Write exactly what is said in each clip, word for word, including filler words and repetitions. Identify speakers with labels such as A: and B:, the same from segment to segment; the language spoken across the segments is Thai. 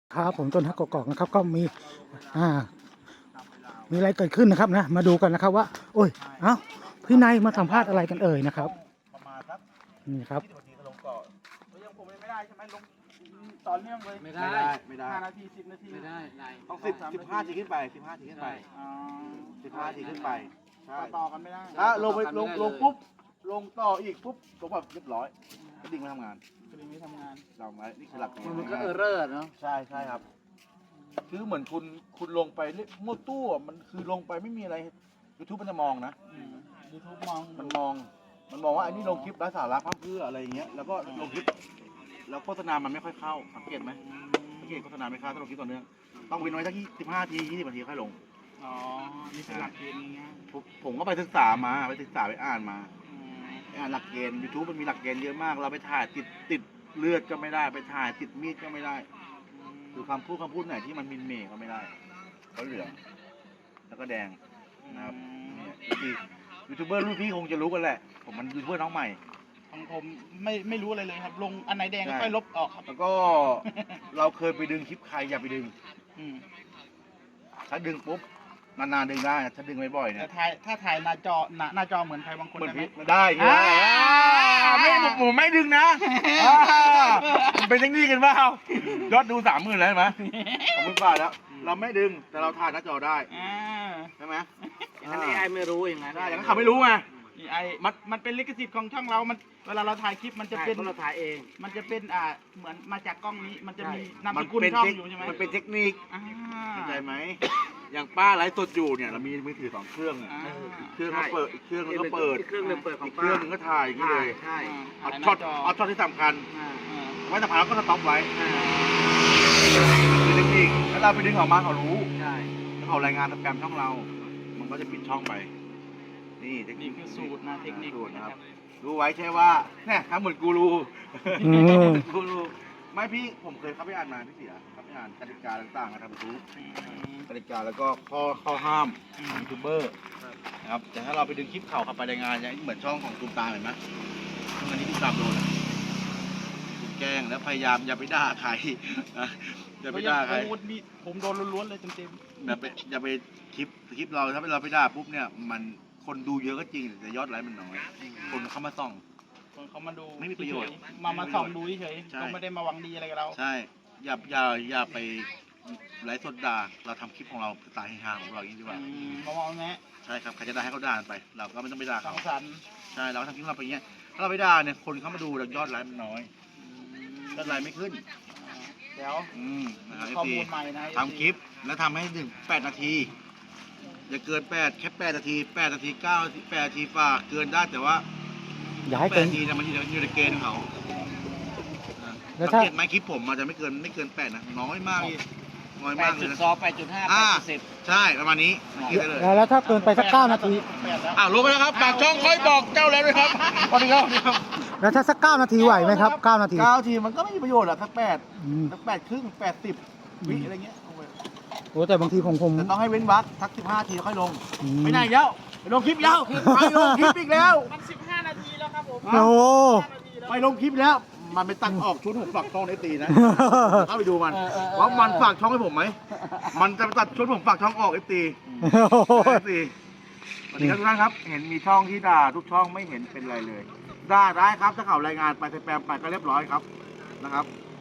A: ครับผมต้นฮักกอกๆนะครับก็มีอ่ามีอะไรเกิดขึ้นนะครับนะมาดูกันนะครับว่าโอ้ยเอ้าพี่นายมาสัมภาษณ์อะไรกันเอ่ยนะครับ
B: ประมาณสัก
A: นี่ครับ
B: ที่นาทีก็ลงเกาะแล้วยังผมยังไม่ได้ใช่ไหมลงต่อเนื่องเลย
C: ไม่ได้
B: ไม่ได้ห้านาทีสิบนาที
C: ไม่ได้นาย
B: ต้องสิบสิบห้าทีขึ้นไปสิบห้าทีขึ้นไป
C: อ๋อ
B: สิบห้าทีขึ้นไปใช่
D: ต่อกันไม่ได้
B: ถ้าลงไปลงลงปุ๊บลงต่ออีกปุ๊บลงแบบเรียบร้อยก็ดิ่งมาทำงาน
D: คือนี้ทำงาน
B: เราไว้นี่คือหลักเกณฑ์
C: มันก็เออร์เรอร์เนาะ
B: ใช่ใช่ครับ คือเหมือนคุณคุณลงไปเรื่อยมั่วตู้อะมันคือลงไปไม่มีอะไรยูทูบมันจะมองนะ
D: ยูทูบมอง
B: มันมอง มันมองว่าอันนี้ลงคลิปไร้สาระพั่มเพรื่ออะไรอย่างเงี้ย แล้วก็ลงคลิป แล้วโฆษณามันไม่ค่อยเข้า สังเกตไหมสังเกตโฆษณาไม่เข้าถ้าลงคลิปต่อเนื่อง ต้องเว้นไว้สักสิบห้าทียี่สิบนาทีค่อยลง
D: อ๋อนี่เป็นหลักเกณฑ์นี้นะ
B: ผมผมก็ไปศึกษามา ไปศึกษาไปอ่านมาไปอ่านหลักเกณฑ์ YouTube มันมีหลักเกณฑ์เยอะมาก เราไปถ่ายติดติดเลือดก็ไม่ได้ ไปถ่ายติดมีดก็ไม่ได้หรือคำพูดคำพูดไหนที่มันมินเมย์ก็ไม่ได้ก็เหลือง แล้วก็แดงนะครับเนี่ยคือยูทูบเบอร์รุ่นพี่คงจะรู้กันแหละ ผมมันยูทูบเบอร์น้องใหม่
D: ของผมไม่ไม่รู้อะไรเลยครับ ลงอันไหนแดงก็
B: ใช่
D: ค่อยลบออกครับ
B: แล้วก็ เราเคยไปดึงคลิปใครอย่าไปดึง
D: อืม
B: ถ้าดึงปุ๊บนานๆดึงได้ถ้าดึงบ่อยๆเนี่
D: แต่
B: ย
D: ถ่ายถ้าถ่ายหน้าจอหน้าหน้าจอเหมือนใครบางคน
B: เหมือน
D: ได้ไหม
B: พิษมันได้ใช่ไหม
D: อ่า
B: ไม่ผมไม่ดึงนะอ่ามันเป็นเทคนิคกันเปล่ายอดดูสามหมื่นแล้วเห็นไหมสามหมื่นบาทแล้ว เราไม่ดึงแต่เราถ่ายหน้าจอได้
D: อ่า
B: ใช่ไหม
C: อันนี้ไอไม่รู้อย่างนั้น
B: ได้อย่างนั้นเขาไม่รู้ไง
D: นี่ไอมันมันเป็นลิขสิทธิ์ของช่องเรา มันเวลาเราถ่ายคลิปมันจะ
C: จะ
D: เป็
C: เป็น นเราถ่ายเอง
D: มันจะเป็นอ่าเหมือนมาจากกล้องนี้มันจะมีนาม
B: มั
D: สกุล
B: เป็น
D: ช่อง
B: เทค
D: อยู่ใช่ไหม
B: มันเป็นเทคนิค
D: อ่า
B: เข้าใจไหมอย่างป้าไลฟ์สดอยู่เนี่ยเรามีมือถือสองเครื่องเนี่ย
D: อ่า
B: อีกเครื่องก็เปิดอีกเครื่องนึงก็เปิด
C: อีกเครื่องหนึงเปิดขอ
B: อี
C: ง
B: ก
C: ป้า
B: เครื่องนึงก็ถ่ายอย่างนี้เลย
C: ใช่
B: เอาช็อตเอาช็อตที่สำคัญ
C: อ่า
D: อ่า
B: ไว้สำคัญแล้วก็สต็อปไว้
C: อ่า
B: คือเทคนิคแล้วเราไปดึงออกมาเขารู้
C: ใช่
B: แล้วเขารายงานโปรแกรมช่องเรา มันก็จะปิดช่องไป นี่เทคนิ
D: นี่
B: ค
D: คือสูตรนะเทคนิค
B: สูตร
D: นะ
B: นะ
D: ค
B: ค
D: รั
B: รับ บรู้ไว้ใช่ว่าเนี่ยทำเหมือนกูรู
A: อืม
B: กูรูไม่พี่ผมเคยเข้าไปอ่านมาพี่เสียเข้าไปอ่านกติกาต่างๆนะครับทุกกติกาแล้วก็ข้อข้อห้ามของยูทูบเบอร์นะครับแต่ถ้าเราไปดึงคลิปเข่าเข้าไปรายงานอย่างเหมือนช่องของตูมตามเห็นไหมช่องอันนี้ตูมตามโดนอะถูกแกล้งแล้วพยายามอย่าไปด่าใครนะอย่าไปด่าใคร
D: โอ้นี่ผมโดนล้วนๆเลยเต็ม
B: อย่าไปอย่าไปคลิปคลิปเราถ้าเราไปด่าปุ๊บเนี่ยมันคนดูเยอะก็จริงแต่ยอดไลค์มันน้อย คนเข้ามาส่อง
D: ๆคนเขามาดู
B: ไม่มีประโยชน์
D: เฉๆมามาส่องดูเฉย
B: ใช่
D: ๆเขาไม่ได้มาหวังดีอะไรกับเรา
B: ใช่อย่าอย่าอย่าไปไลฟ์สดด่าเราทำคลิปของเราสไตล์เฮฮาของเราอย่างนี้ดีกว่า
D: อืมมามองแงะ
B: ใช่ครับใครจะด่าให้เขาด่ากันไป เราก็ไม่ต้องไปด่า
D: สั
B: เขา
D: งสรรค์
B: ใช่เราก็ทำคลิปของเราไปอย่างเงี้ยถ้าเราไปด่าเนี่ยคนเข้ามาดูแต่ยอดไลค์มันน้อยยอดไลค์ไม่ขึ้น
D: เดี๋ยว
B: อืมนะครับ
D: ข้อ
B: เอฟซี
D: มูลใหม่นะ
B: ทำคลิปแล้วทำให้ถึงแปดนาทีอย่าเกินแปดแค่แปดนาทีแปดนาทีเก้าแปดนาทีฝากเกินได้แต่ว่า
A: อย่าให้
B: แป
A: เกิ
B: ด
A: น
B: นาทีเนี่ยมันอยู่ในอยู่ในเกณฑ์ของเขาอ่า
A: แล้ว
B: สั
A: ถ้า
B: งเกตไหมคลิปผมมันจะไม่เกินไม่เกินแปดนะน้อยมากพี่น้อย
C: แป
B: มา
C: ด
B: กเล
C: จุ
B: ย
C: ด
B: นะ
C: สองแปดจุดห้าแป
B: อ่า
C: ดจุดสิบ
B: ใช่ประมาณนี้คิดได้เลย
A: แล้วแล้วถ้าเกินไปสักเก้านาที
D: แปดแล้ว
B: อ้าวรู้ไปแล้วครับฝากช่องค่อยบอกเจ้าแล้วด้วยครับสวัสดีครับ
A: แล้วถ้าสักเก้านาทีไหวไหมครับเก้านาที
B: เก้าทีมันก็ไม่มีประโยชน์หรอกสักแปด
A: อืม
B: สักแปดครึ่งแปดสิบวิอะไรเงี้ย
A: โอ้แต่บางทีผมผม
B: แต่ต้องให้เว้นวรรคสักสิบห้าทีค่อยลง
A: อืม
B: ไม่ไหนแล้วไปลงคลิปแล้วไปลงคลิปอีกแล้ว
D: มันสิบห้านาทีแล้วครับผม
A: โอ้
D: สิบห้านาทีแล้ว
B: ไปลงคลิปแล้ว มันไปตัดออกชุดผมฝากช่องไอตีนะ เข้าไปดูมันว่ามันฝากช่องให้ผมไหม มันจะไปตัดชุดผมฝากช่องออกไอตีไอตีสวัสดีครับทุกท่านครับ เห็นมีช่องที่ด่าทุกช่องไม่เห็นเป็นไรเลยด่าได้ครับถ้าเขารายงานไปสแปมไปก็เรียบร้อยครับนะครับ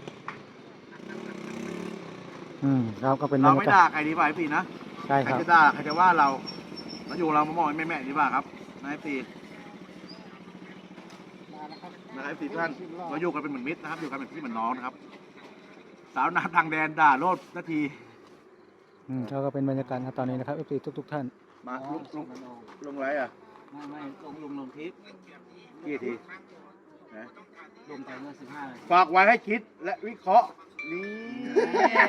A: อืมครับก็เป็น
B: เรา
A: บรร
B: ไม่
A: ยากา
B: ด่า
A: ศ
B: ใครดีกว่าไอตีนะ
A: ใช่
B: ใค
A: ค
B: ร
A: รับ
B: จะด่าใครจะว่าเราเราอยู่เรามามองแม่แม่ๆดีกว่าครับนายตี นะครับไอ้สี่ท่านเราอยู่กันเป็นเหมือนมิตรนะครับอยู่กันเป็นพี่เหมือนน้องนะครับ สาวนาทางแดนด่าโลดนาที
A: อืมก็เป็นบรรยากาศครับตอนนี้นะครับเอฟซีทุกๆท่าน
B: มาลงลงลงไรอ่ะ
C: ไม่ไม่ลงลงลงคลิป
B: กี่ทีนะ
C: ลงไปเมื่อสิบห้านาที
B: ฝากไว้ให้คิดและวิเคราะห์นี่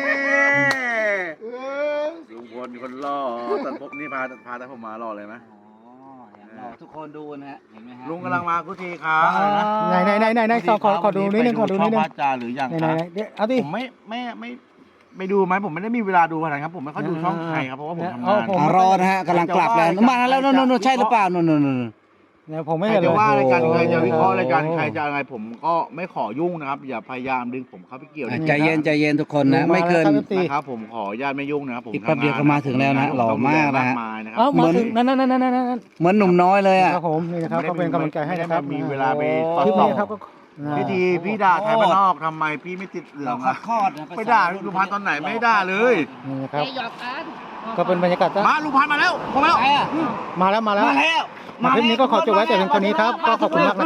B: ลุงพลคนล่อตันพบนี่พาพาแต่ผมมารอเลยไหม
C: อ๋อเห็นเราทุกคนดูนะฮะเห็นไหมฮะ
B: ลุงกำลังมาทุกทีครับ
A: ไหนไหนไหนไหนไหนขอขอขอดูนิดนึงขอดูนิดนึง
B: ช่องพระจาหรือยัง
A: ไหน
B: ค
A: ไหน
B: รับ
A: ไหนเดี๋ยวเอาดิ
B: ผมไม่ไม่ไม่ไม่ดูไหมผมไม่ได้มีเวลาดูขนาดนั้นครับผมไม่ค่อยดูช่องใครครับเพราะว่าผมทำ
A: เอา
B: งาน
A: ผม
C: อ่ารอนะฮะกำลังกลับแล้วมาแล้วโน่นโน่นใช่หรือเปล่าโน่นโน่นโน่น
A: เนี่ยผมไม่
B: ใคร
A: เห็นเล
B: จะ
A: ย
B: ว่าอะไรกันใครจะวิเคราะห์อะไรกัน
A: โอ้
B: ใครจะอะไรผมก็ไม่ขอยุ่งนะครับ อย่าพยายามดึงผมเข้าไปเกี่ยว
C: อ่ะ
B: นะ
C: ใจเย็นใจเย็นทุกคนนะ ไม่เกิน
A: มาแล้วครับ
B: นะครับผมขออนุญาตไม่ยุ่งนะครับผม
C: อีกแป๊บเดียว
B: ทำง
C: ก็มาถึงแล้วนะ
B: ผม
C: หล่อมากนะฮะ
B: มายนะครั
A: เอ้า
B: บ
A: มาถึงนั่นนั่นนั่นนั่นนั่น
C: เหมือนหนุ่มน้อยเลยอ่ะ
A: ครับผมนี่นะครับก็เป็นกำลังใจให้นะครับ
B: ไม่ได้มีเวลาไป
A: คลิปนี้ครับก็
B: พี่ทีพี่ด่าไทยบ้านนอกทำไมพี่ไม่ติดเหลืองอะ
C: คลอดนะ
B: ไปด่าลุงพันธุ์ตอนไหนไม่ได้เลย
A: นี่นะครับก็เป็นบรรยากาศ
B: มาลุงพันธุ์มาแล้วมาแล้ว
C: ไปอ่ะ
A: มาแล้วมาแล้ว
C: มาแล้ว
A: มาคลิปนี้ก็ขอจบไว้แต่เพียงเท่านี้ครับก็ขอบคุณมากนะ